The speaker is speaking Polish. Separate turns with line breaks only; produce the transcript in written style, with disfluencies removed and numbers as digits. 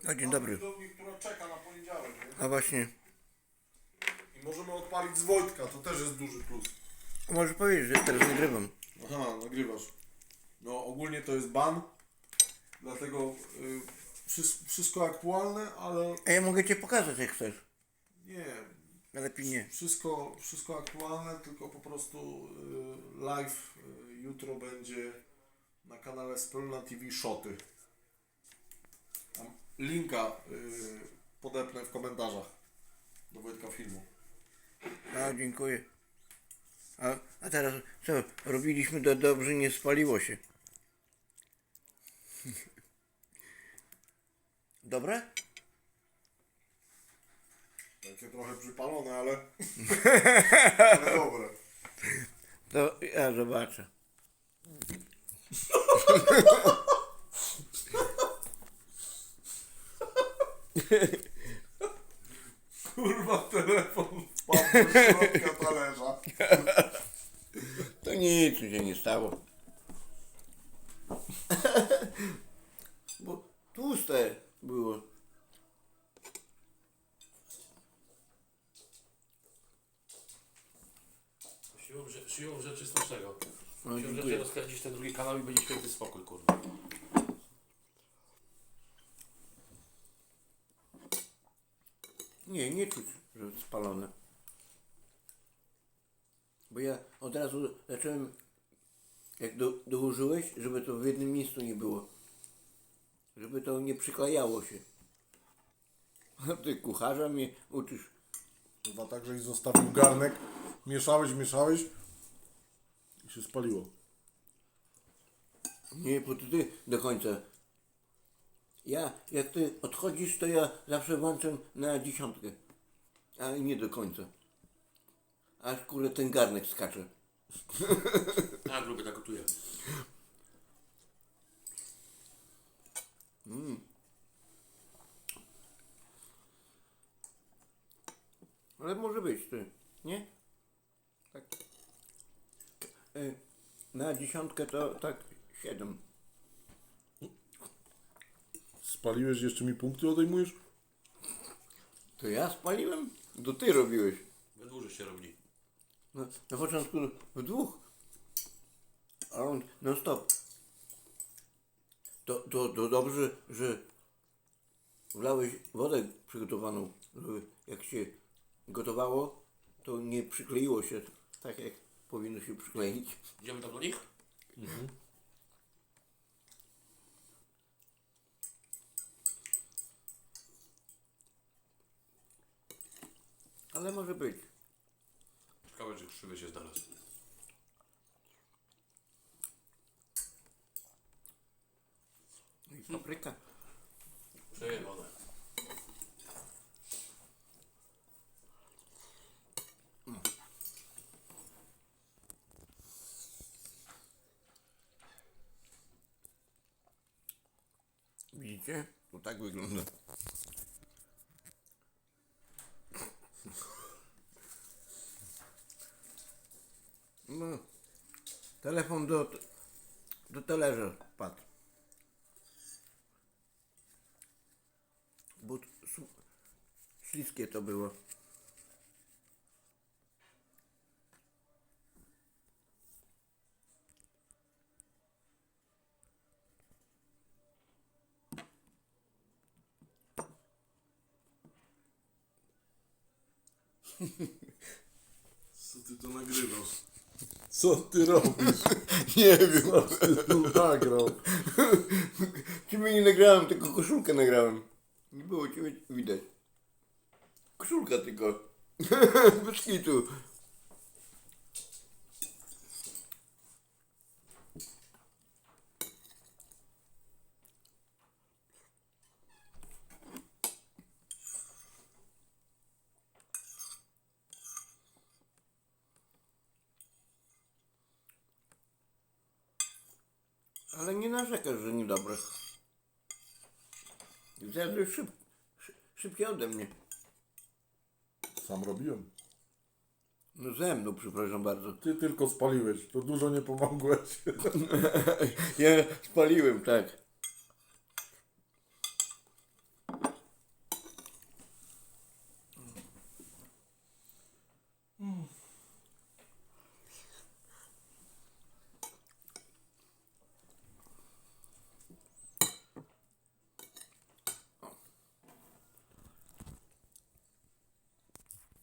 A dzień dobry.
Do mnie, która czeka na poniedziałek, nie?
A właśnie,
I możemy odpalić z Wojtka, to też jest duży plus.
możesz powiedzieć, że teraz nagrywam.
Aha, nagrywasz. No ogólnie to jest ban, dlatego wszystko aktualne, ale
A ja mogę cię pokazać jak chcesz.
nie,
Lepiej nie.
wszystko aktualne, tylko po prostu live jutro będzie na kanale Speluna TV Shoty. Tam linka podepnę w komentarzach do Wojtka filmu.
A, dziękuję. A teraz co? Robiliśmy to dobrze, nie spaliło się. Dobre?
Takie trochę przypalone, ale, ale dobre.
To ja zobaczę.
Kurwa, telefon wpadł do środka talerza.
To nic mi się nie stało. Bo tłuste było.
Siłą rzeczy smacznego.
No,
Siłą
dziękuję.
rzeczy rozkręcisz ten drugi kanał i będzie święty spokój, kurwa.
Nie czuć, że spalone. Bo ja od razu zacząłem, jak dołożyłeś, żeby to w jednym miejscu nie było. Żeby to nie przyklejało się. A ty kucharza mnie uczysz.
Chyba tak, żeś zostawił garnek, mieszałeś i się spaliło.
Nie, bo to ty do końca. Ja, jak ty odchodzisz, to ja zawsze włączam na 10. A nie do końca. Aż kurde ten garnek skacze.
A, gruby tak gotuje.
Ale może być ty, nie? Tak. Na 10 to tak 7.
Spaliłeś, jeszcze mi punkty odejmujesz?
To ja spaliłem? To ty robiłeś.
We dwóch się robili.
No, na początku w dwóch. A on non stop. To dobrze, że wlałeś wodę przygotowaną, żeby jak się gotowało, to nie przykleiło się tak jak powinno się przykleić.
Idziemy tam do nich?
Ale może być.
Ciekawe, czy krzywy się znalazł.
I papryka.
Przejebane.
Widzicie? To tak wygląda. No, telefon do talerza padł. Bo śliskie to było.
Co ty to nagrywasz? Co ty robisz?
Nie wiem.
Co ty tu nagrał?
Ciebie nie nagrałem, tylko koszulkę nagrałem. Nie było ciebie widać. Koszulka tylko. Bez kitu. Ale nie narzekasz, że niedobre. Zjadłeś szybciej ode mnie.
Sam robiłem.
No ze mną, przepraszam bardzo.
Ty tylko spaliłeś, to dużo nie pomogłeś.
Ja spaliłem, tak.